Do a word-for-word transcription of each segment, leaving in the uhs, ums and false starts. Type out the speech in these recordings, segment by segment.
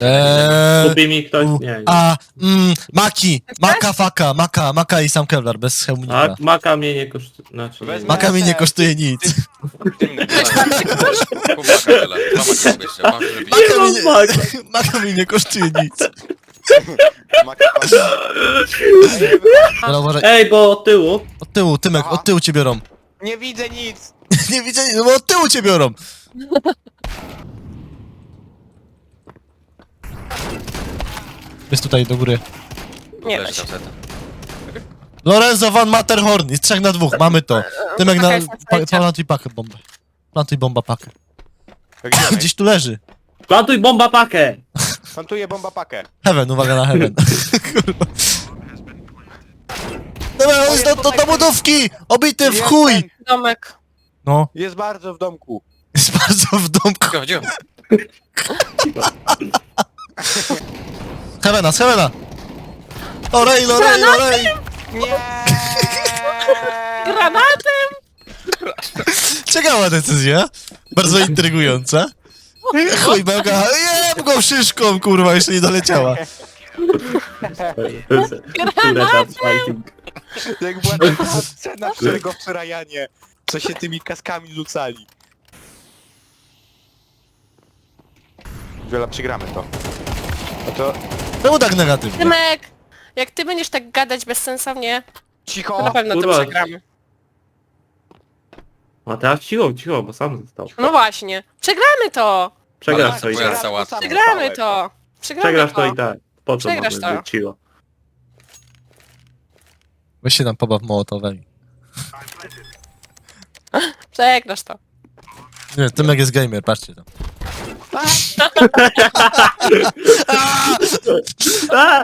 Eee, Kupi mi ktoś? u, Nie, nie. a, mm, Maki, Maka, Faka, Maka, Maka i sam Kevlar, bez A hełmnika. maka mnie nie kosztuje. Znaczy, nie, Wezmę- Maka mi nie ten. kosztuje nic. Dymny Kup maka tyle. Mama ci jeszcze, mam żeby Maka mi Nie nie, mam Maka. Maka mi nie kosztuje nic. maka. Dobra, uważaj. Ej, bo od tyłu. Od tyłu, Tymek, Aha. od tyłu cię biorą. Nie widzę nic. Nie widzę, no bo od tyłu cię biorą. Jest tutaj do góry. Nie da Leży się. gazeta. Lorenzo van Matterhorn, jest trzech na dwóch, mamy to. Tymek na... Paka jest na Pa, sajcie. plantuj pakę bombę. Plantuj bomba pakę. Gdzie on jest? Gdzieś tu leży. Plantuj bomba pakę! Plantuję bomba pakę. Heaven, uwaga na heaven. Kurwa. Dobra, on jest do, do, do budówki! Obity w Jest chuj! ten. Domek. No, Jest bardzo w domku. jest bardzo w domku. Gdzie, gdzie? Heavena, z Heavena! Orej, lorej, lorej! Nie. Granatem! Ciekawa decyzja. Bardzo intrygująca. Chuj, bełka, jem go szyszką, kurwa, jeszcze nie doleciała. Które tam fighting. Jak była taka scena szczerego w Rajanie, co się tymi kaskami rzucali. Wiele przegramy to. No to Czemu tak negatywnie? Tymek! Jak ty będziesz tak gadać bezsensownie, to na cicho. pewno to kurwa. przegramy. A teraz cicho, cicho, bo sam został. No właśnie. Przegramy to! Przegrasz Ale to i twoja tak. sałatka. Przegramy to! Przegramy Przegrasz to to! i tak. Po co Przegrasz mamy to. być cicho? Weź się tam pobaw mołotowem. Przegrasz to. Nie, Tymek jest gamer, patrzcie tam. A!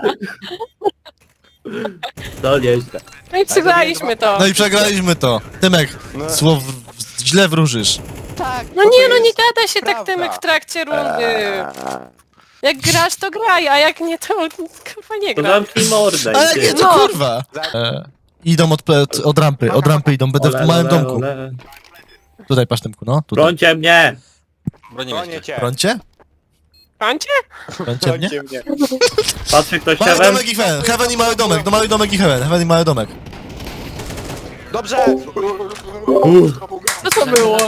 To nieźle. No i przegraliśmy to. No i przegraliśmy to. Tymek, No. słow źle wróżysz. Tak. No bo to nie, no nie jest gada się tak prawda. Tymek w trakcie rundy. Eee. Jak grasz to graj, a jak nie to kurwa nie To gra. zamknij mordę Ale i nie, ty. to No. kurwa. E, idą od, ple- od, od rampy, od rampy idą, będę w Ole, małym ole, domku. ole. Tutaj, patrz Tymku, no, tutaj. Brońcie mnie! Bronię cię. Brońcie? Końcie? Brońcie mnie? Brońcie mnie. Patrzy ktoś Mały heaven? domek i heaven, heaven i mały domek, no mały domek i heaven, heaven i mały domek. Dobrze. Co to było?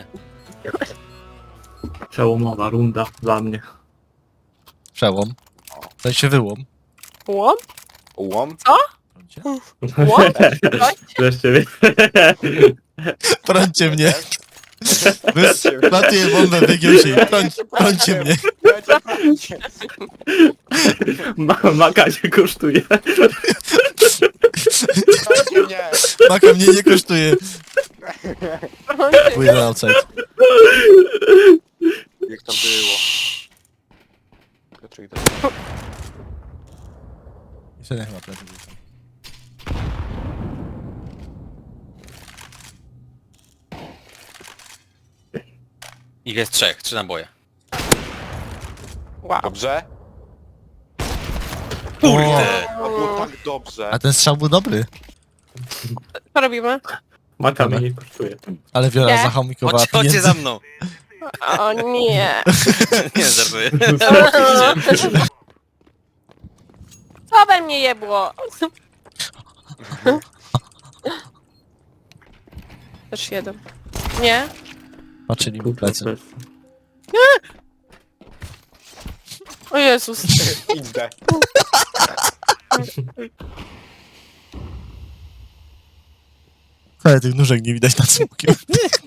Przełomowa runda dla mnie. Przełom. W sensie wyłom. Łom? Łom. Brońcie. Łom? Wreszcie wie. Brońcie mnie. Wy- Plantuję bombę, wygiął się. Broń, brońcie mnie. Ma, maka się kosztuje. Brońcie mnie. Maka mnie nie kosztuje. Pójdę outside. Jak to było? Piotrek, Jeszcze nie chyba plecy. Ich jest trzech, trzy naboje. Wow. Dobrze? Kurde. To było tak dobrze. A ten strzał był dobry. Co robimy? Maka mnie nie kosztuje. Ale Wiola Nie. zachomikowała Chodźcie, chodźcie pieniędzy. za mną. O nie. Nie, żartuję. Co we mnie jebło? Też jeden. Nie? Patrzyli mu plecy. O Jezus. Idę. Ale tych nóżek nie widać nad smokiem.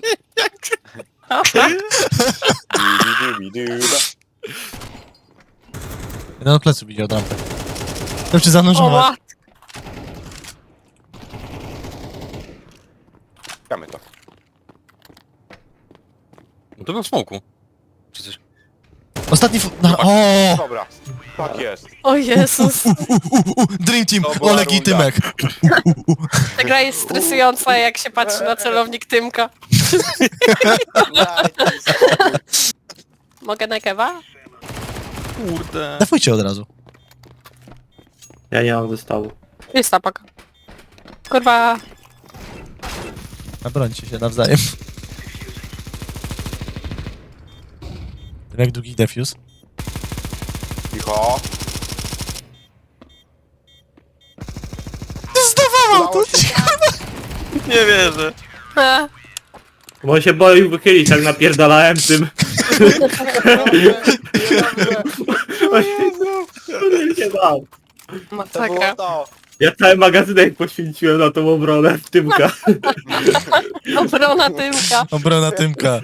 Jeden od pleców idzie od rampy. To czy O zanurzować? mat. Gramy to. No to był w smoku. Czy coś? Ostatni fu- na- O! Dobra. Tak jest. O Jezus. U, u, u, u, Dream Team, To była Oleg i runda. Tymek. Ta gra jest stresująca, jak się patrzy na celownik Tymka. Mogę na kewa? Kurde. Dafujcie od razu. Ja nie mam zestawu. Jest tapak. Kurwa. Nabrońcie się nawzajem. Tymek długi defuse. Cicho. Zdawało to! Udało się. Nie wierzę. E, Bo on się boi wychylić, jak napierdalałem tym. O Jezu. On się bał. To było Masakra. to. Ja cały magazynek poświęciłem na tą obronę w Tymka. Obrona Tymka. Obrona Tymka.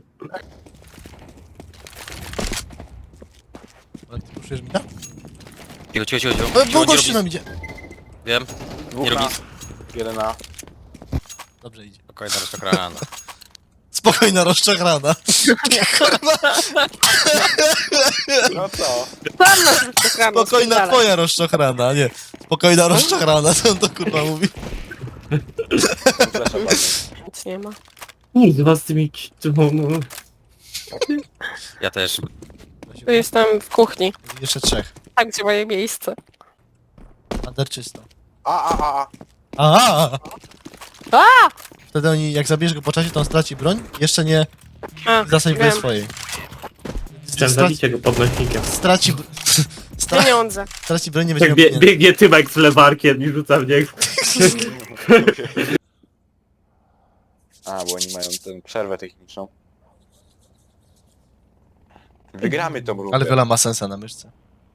Ale ty puszujesz mi? Cicho, cicho, cicho. cicho. E, Cicho, Bo nie gościu robi- nam idzie. Wiem, Dwóch nie na. robi... Jeden na. Dobrze idzie. Spokojna rozczokrana. Spokojna, rozczachrana. No co? Sam nas wyszukamy. Spokojna twoja rozczochrana, nie. Spokojna rozczochrana, co on to kurwa mówi? Flasha padnie. Nic nie ma. Kurwa z tymi... Ja też. Tu jestem w kuchni. Jeszcze trzech. Tak, gdzie moje miejsce. Ander czysto. A, a, a, a. Aha! A! Wtedy oni, jak zabierzesz go po czasie, to on straci broń. Jeszcze nie A, zasadź broń wiem. swojej. Chciałem Straci, zabicie go podnośnikiem. straci, stra, Pieniądze. straci broń, nie będzie Jak miał bie, pieniędzy. biegnie Tymek z lewarkiem i rzuca w niego. A, bo oni mają tę przerwę techniczną. Wygramy tą rundę. Ale Viola ma sensa na myszce.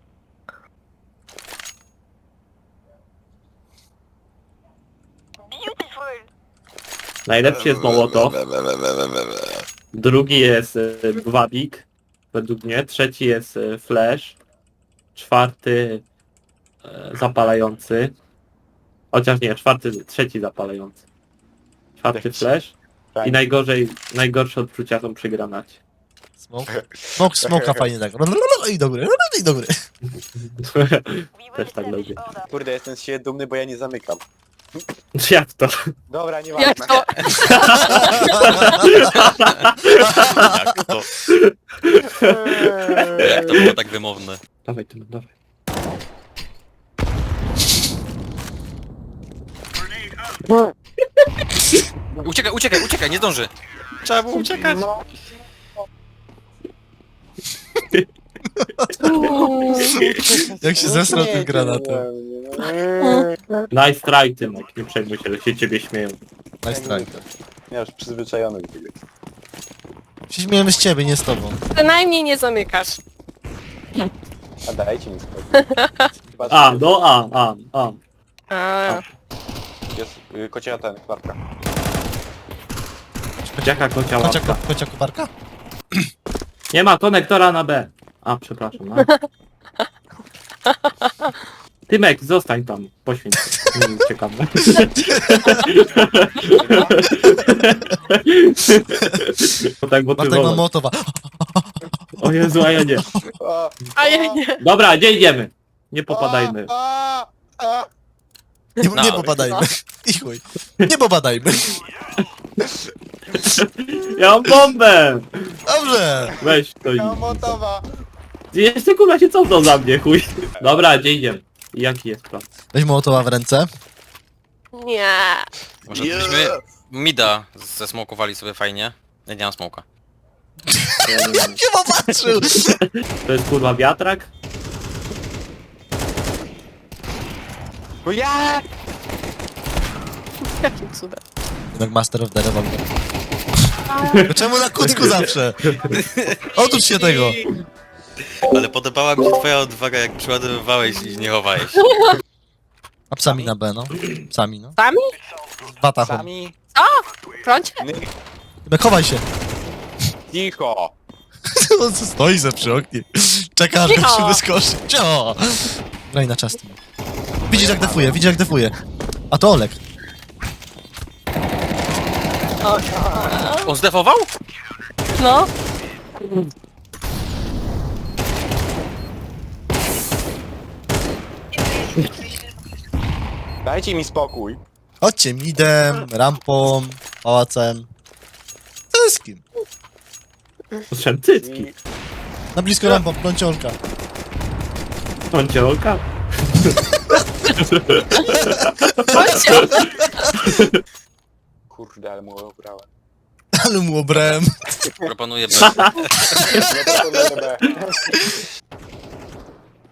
Najlepszy jest Mołotow. Drugi jest e, Gwabik, według mnie. Trzeci jest e, Flash. Czwarty e, zapalający. Chociaż nie, czwarty, trzeci zapalający. Czwarty Flash. I najgorzej, najgorsze odczucia są przy granacie. Smoke. Smoke, smoka fajnie tak. I dobry, i dobry. Też tak lubię. Kurde, jestem z siebie dumny, bo ja nie zamykam. Jak to? Dobra, nie Jak ważne. to? Jak to? Jak to było tak wymowne? Dawaj, Tymek, dawaj. Uciekaj, uciekaj, uciekaj, nie zdąży. Trzeba było uciekać. Jak się zesrał tym granatem. Nice try, Tymek. Nie przejmuj się, że się ciebie śmieją. Nice try. Ja już przyzwyczajony do tego. Się śmiejemy z ciebie, nie z tobą. Przynajmniej nie zamykasz. A dajcie mi spokój. A, no A, A, A. A, Jest y, kocia ten, klarka. Jaka kocia Kocia, łapka. kocia koparka? Nie ma konektora na B. A, przepraszam. A. Tymek, zostań tam. Poświęć się. Nie uciekamy. To tak Bartek ma motywował. motowa. O Jezu, a ja nie. A, a ja nie. Dobra, gdzie idziemy? Nie popadajmy. A, a, Nie, No. nie popadajmy. I chuj. Nie popadajmy. Ja mam bombę! Dobrze. Weź to i... a, motowa. Jeszcze kurwa się cofnął za mnie, chuj. Dobra, gdzie idziemy? Jaki jest plan? Weź motowa w ręce. Nie. Może byśmy mida zesmokowali sobie fajnie. Ja nie mam smoka. Ja nie wiem. Nie popatrzył. To jest kurwa wiatrak? Bo ja! Jakim cudem. Jednak Master of the Revolver. Czemu na kucku zawsze? Otóż się tego. Ale podobała mi się twoja odwaga, jak przyładowywałeś i nie chowałeś. A psami na B, no. Psami, no. Sami? Watachą. Sami. Prącie? Ny- Chowaj się. Cicho. On stoi ze przy oknie. Czeka, aż go Cicho. się wyskoczy. Cio! Graj na czas. Widzisz jak defuje, widzisz jak defuje. A to Olek. On zdefował? No. Dajcie mi spokój. Chodźcie midem, rampą, pałacem. Wszystkim. Potrzebny cycki. I... Na blisko rampą, pląciolka. Kąciołka? Prącie. Kurde, ale mu obrałem. Ale mu obrałem. Proponuję B. No to to B.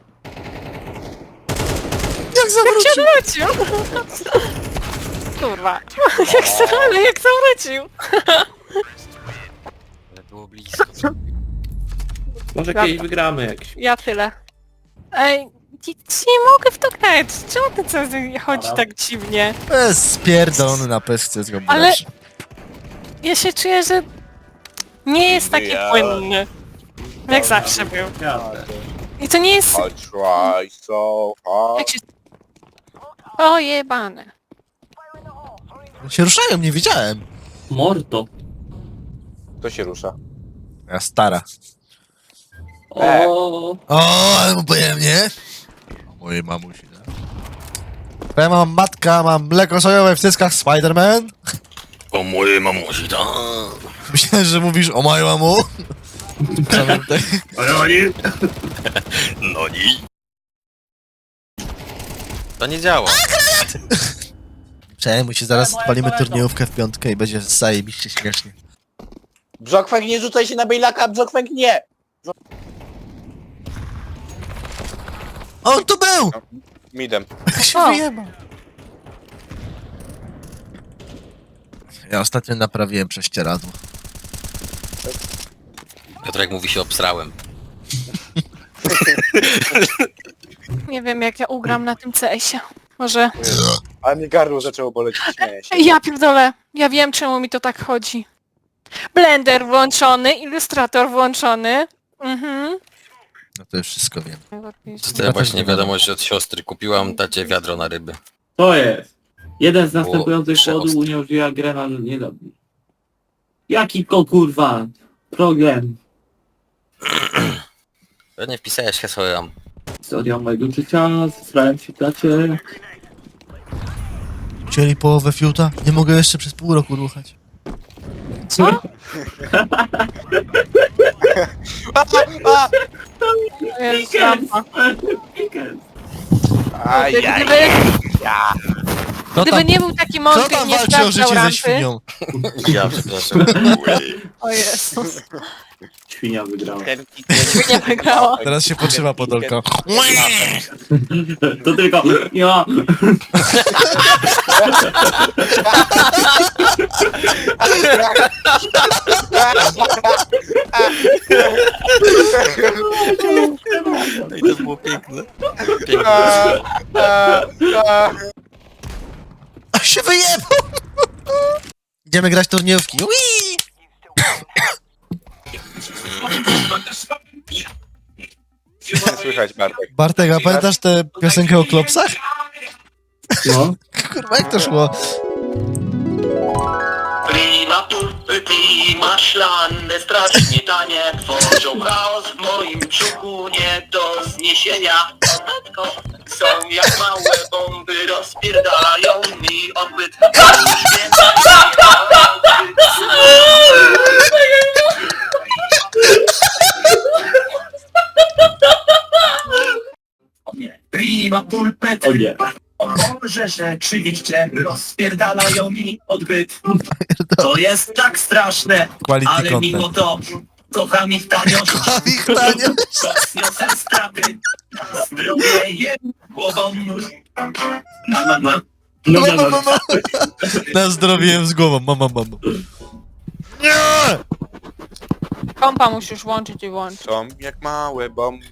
zawrócił? Cię wrócił! Kurwa. Jak za- ale jak zawrócił? Ale było blisko. Może kiedyś wygramy jakiś. Ja tyle. Ej, nie, nie mogę w to grać. Czemu ten co chodzi Dobra. tak dziwnie? To jest spierdolony na pestce z go Ale- brać. Ja się czuję, że nie jest taki Ja- płynny. Jak zawsze był. Jasne. I to nie jest... I try so hard. Jak się... O jebane. Się ruszają, nie widziałem. Mordo. To się rusza. Ja stara. E. O, O, ale mu pojemnie. O mojej mamusi, no. Ja mam matka, mam mleko sojowe w cyckach Spider-Man. O mojej mamusi, tak. Myślałem, że mówisz o mojej mamu. Pamiętaj. No nie. To nie działa. Przejmuj się, zaraz odpalimy turniejówkę w piątkę i będzie zajebiście śmiesznie. Brzokwank, nie rzucaj się na Bejlaka, Brzokwank, nie! On tu był! Midem. Jak się O. wyjebał. Ja ostatnio naprawiłem prześcieradło. Piotrek mówi się obsrałem. Nie wiem jak ja ugram na tym C S-ie. Może... A mnie gardło zaczęło boleć, śmieję się. Ja pierdolę. Ja wiem czemu mi to tak chodzi. Blender włączony, ilustrator włączony. Mhm. No to już wszystko wiem. Dostałem właśnie wiadomość od siostry. Kupiłam tacie wiadro na ryby. to jest. Jeden z Było następujących przeostre. kodów uniemożliwia grę na niedobny. Jaki ko kurwa? Problem. Pewnie wpisałeś hasło RAM. Historia mojego życia, zesrałem się tacie. Chcieli połowę fiuta? Nie mogę jeszcze przez pół roku ruchać. Co? A, a, To jest rampa. aj, aj, Gdyby, Kto gdyby tam, nie był taki kto mądry i tam nie walczy o sprawdzał życie ze rampy... świnią? Ja przepraszam. O Jezus. Świnia wygrała. Nie wygrała. Teraz się podszywa Podolka. To tylko ja. No i to było piękne. Piękne. A, a, a. A się wyjebał! Idziemy grać turniejówki. Ui! Słychać, Bartek. Bartek, a pamiętasz tę piosenkę o klopsach? No. Kurwa, jak to szło? Klima turpy, klima szlane, strasznie tanie, tworzą chaos w moim brzuchu nie do zniesienia. Matko, są jak małe bomby, rozpierdalają mi odbyt. Już wiem, Klima pulpet, O nie. może rzeczywiście rozpierdalają mi odbyt. To jest tak straszne, Quality ale mimo content. to kocham ich tanio. Ich tanio. Rozniosę straty, na zdrowie jem głową. Na, na, na. No, Mama, no, no. mama. Na zdrowie z głową, mama, mama. Nie! Kompa musisz włączyć i włączyć. Są jak małe bomby.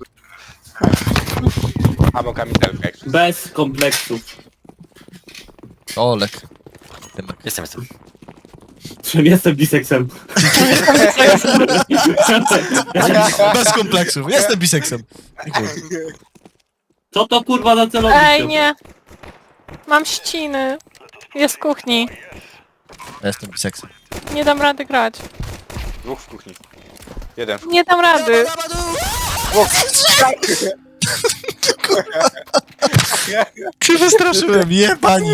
Albo kamizelka, jak Bez kompleksów. Olek. Jestem, jestem. Czym jestem biseksem? Bez kompleksów. Jestem biseksem. Dziękuję. Co to kurwa za celownik? Ej, nie. Mam ściny. Jest w kuchni. Ja jestem biseksem. Nie dam rady grać. Dwóch w kuchni. Jeden w Nie dam rady. Się wystraszyłem, jebani.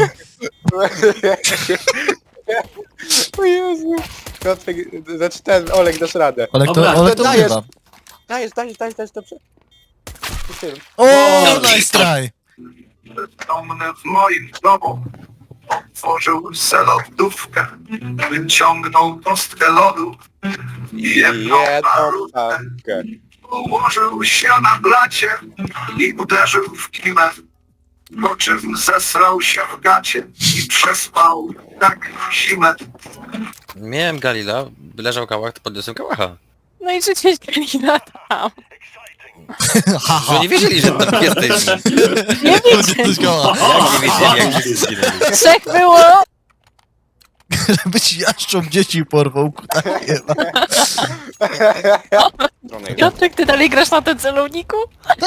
O Jezu. Piotrek, znaczy ten, Olek, dasz radę. Olek to, Dobra, Olek to dajesz. wygrywa. Dajesz, dajesz, dajesz, dajesz, dobrze. O, nice try. Domnę w moim domu. Otworzył se lodówkę, wyciągnął kostkę lodu i jedną Jedną pakę. ułożył się na blacie i uderzył w kimę. Po czym zesrał się w gacie i przespał tak zimę. Miałem Galila, leżał kałach, to podniosłem kałacha. No i życie Galina tam. Że nie wiedzieli, że tam jesteś. Nie Coś wiecie. koła. Jak nie wiedzieli, jak wszyscy zginęli. Trzech było. Żeby ci jaszczą dzieci porwał, kutaje. Piotrek, ty dalej grasz na tym celowniku?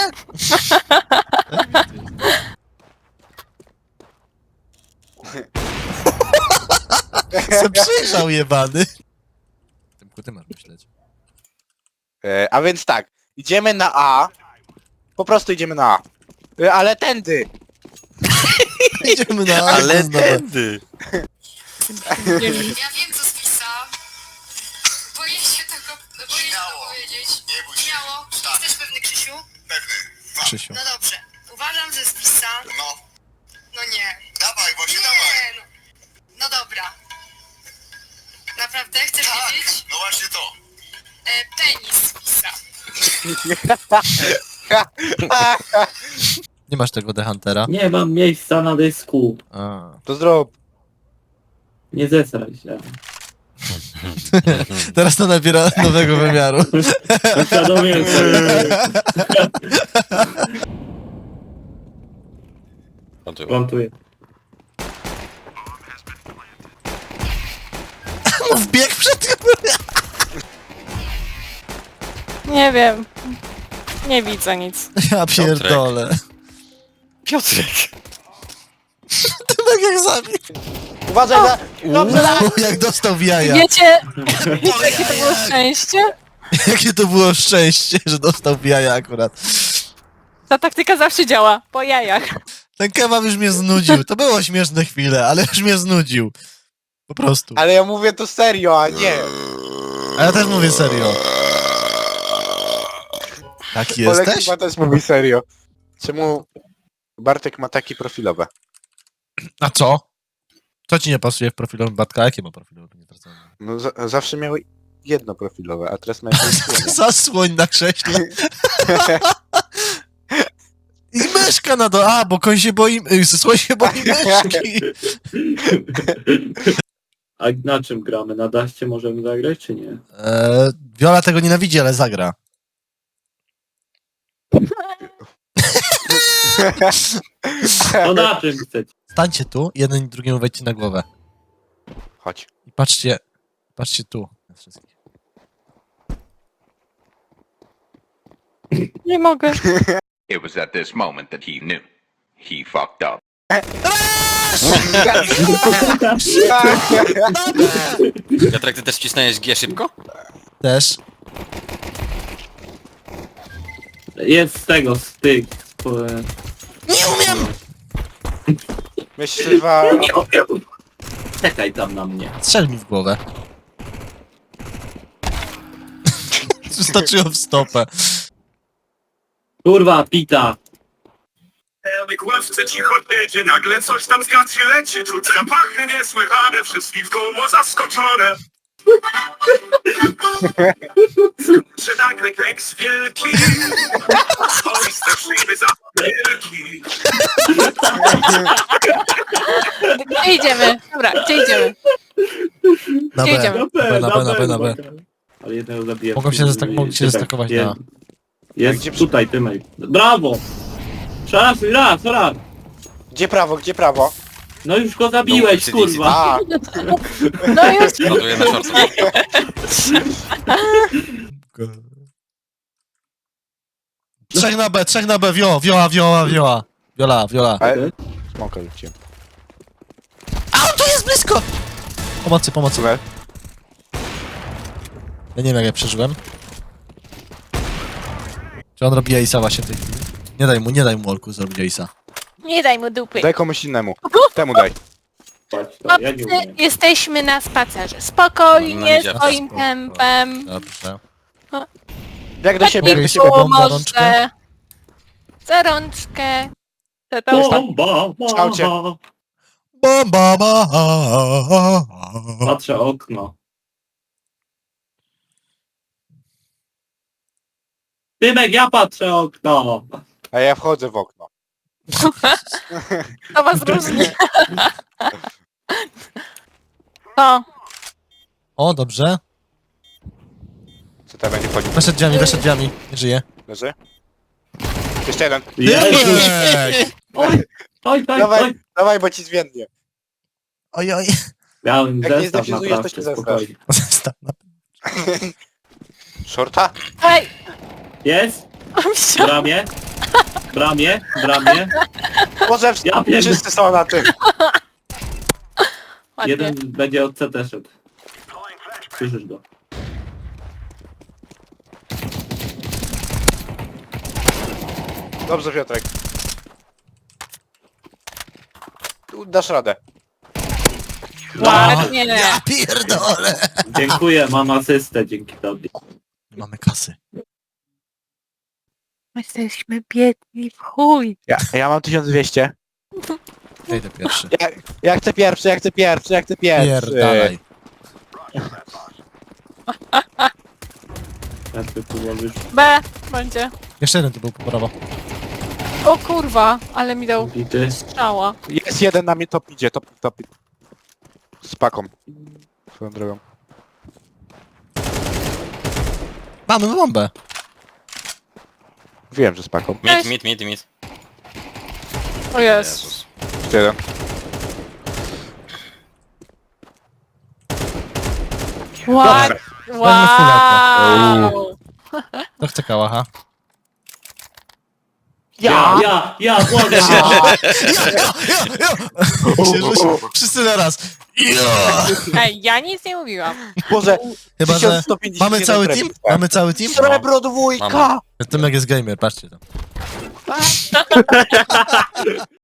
Se przyjrzał jebany. Tymku, ty masz myśleć. E, a więc tak, idziemy na A. Po prostu idziemy na A. E, ale tędy! Idziemy na Ale znowu. tędy. Ja wiem co spisał. Boję się tego, boję się to powiedzieć. Nie bój się. Śmiało. Jesteś pewny, Krzysiu? Pewny. Krzysiu. No dobrze. Uważam, że spisa. No, No nie. dawaj, właśnie Nie, dawaj. no. No dobra. Naprawdę? Chcesz wiedzieć? No właśnie to. E, penis spisa. Nie masz tego The Huntera? Nie mam miejsca na dysku. A. To zrób. Nie zesraj się. Teraz to nabiera nowego wymiaru. Uświadomiłem sobie. Plantują. Plantuję. Wbieg przed... Nie wiem. Nie widzę nic. Ja pierdolę. Piotrek. Tak jak zabił. Uważaj za... Dobrze, za... Uuu, jak dostał w jaja. Wiecie, jakie to było szczęście? Jakie to było szczęście, że dostał w jaja akurat. Ta taktyka zawsze działa. Po jajach. Ten kebab już mnie znudził. To było śmieszne chwile, ale już mnie znudził. Po prostu. Ale ja mówię to serio, a nie. A ja też mówię serio. Taki Olek jesteś? chyba też mówi serio. Czemu Bartek ma takie profilowe? A co? Co ci nie pasuje w profilowym Bartka? Jakie ma profilowe? Nie zwracam uwagi. No za zawsze miał jedno profilowe, a teraz ma jakieś dwie. Zasłoń na krześle. I myszka na do... A, bo koń się boi... y, Słoń się boi myszki. A na czym gramy? Na daście możemy zagrać, czy nie? Eee, Viola tego nienawidzi, ale zagra. No na czym chcecie? Stańcie tu, jeden i drugiemu wejdźcie na głowę. Chodź. I patrzcie... Patrzcie tu. na wszystkich. Nie mogę. It was at this moment that he knew. He fucked up. Piotrek, ty też wcisnąłeś G szybko? Też. Jest z tego, z tych... Po... Nie umiem! Myśliwa... Nie umiem. Czekaj tam na mnie. Strzel mi w głowę. Wystarczyło w stopę. Kurwa, pita. Elik łewce cicho jedzie, nagle coś tam z gaci leci. Czuć zapachy niesłychane, wszystkich w koło zaskoczone. Czy nagle keks wielki? Oj, straszliwy zapach wielki. Gdzie idziemy? Dobra, gdzie idziemy? Na Gdzie B. idziemy? B, na B, na B, na B. Ale jednego zabiję. Mogą się zestak- mogą się zestakować na- Jest Gdzie- tutaj, Tymek. Brawo! Raz, raz, raz! Gdzie prawo, gdzie prawo? No już go zabiłeś, No, kurwa! A, No już. Plantuję na shortcu. Trzech na B, trzech na B, wio, wioła, wioła, wioła. Wiola, wiola. ale... Smoka rzuciłem. A on tu jest blisko! Pomocy, pomocy. Super. Ja nie wiem jak ja przeżyłem. Czy on robi Ace'a właśnie w tej chwili? Nie daj mu, nie daj mu Olku zrobić Ace'a. Nie daj mu dupy. Daj komuś innemu. Temu daj. Patrz to, ja nie Chłopcy, umiem. jesteśmy na spacerze. No, Spokojnie, idzie. swoim Spoko. tempem. Dobrze. Jak do siebie, jak do siebie. Bomba, Pomoże. rączkę. Za rączkę. Co to? Bomba, Kształcie. bomba. Bomba ma. Patrzę okno. Tymek, ja patrzę okno. A ja wchodzę w okno. To was różni. To. O, dobrze. Co tam będzie wchodził? Weszedł drzwiami, weszedł drzwiami. Nie żyje. Leży? Jeszcze jeden. Jezus! Tymek! Oj, oj, oj, Dawaj, oj. dawaj, bo ci zwiędnie. Oj, oj. Miałem Jak nie zestaw zdefizujesz, to naprawdę, ci zestaw. spokojnie. Zostaw na- Shorta? Ej! Jest? Misia. Bramie? Bramie? Bramie? Może Ja wiem. wszyscy są na tym. Ładnie. Jeden będzie od C T szedł. Słyszysz go. Dobrze, Piotrek. Tu dasz radę. Ładnie. Ja pierdolę. Dziękuję, mam asystę dzięki tobie. Nie mamy kasy. Jesteśmy biedni w chuj. Ja, ja mam tysiąc dwieście. Ja idę pierwszy. Ja, ja chcę pierwszy, ja chcę pierwszy, ja chcę pierwszy. Pierdalaj. Jak ty tu łożysz? B będzie. Jeszcze jeden tu był po prawo. O kurwa, ale mi dał Bity. strzała. Jest jeden na mnie, top idzie, top, top. Z paką. Swoją drogą. Mamy bombę. Wiem, że z paką. Mid, mid, mid, mid. O jest. Jezus. Jeszcze jeden. Ładnie. Wow. To chce kałacha. Ja, ja, ja, błagam. Ja, ja, ja. Się rzuci- Wszyscy naraz. Ja. Ej, ja nic nie mówiłam. Boże, Chyba, że tysiąc sto pięćdziesiąt mamy jeden cały premii, team? tak. Mamy cały team? Srebro dwójka! Mama. Tymek jest gamer, patrzcie to.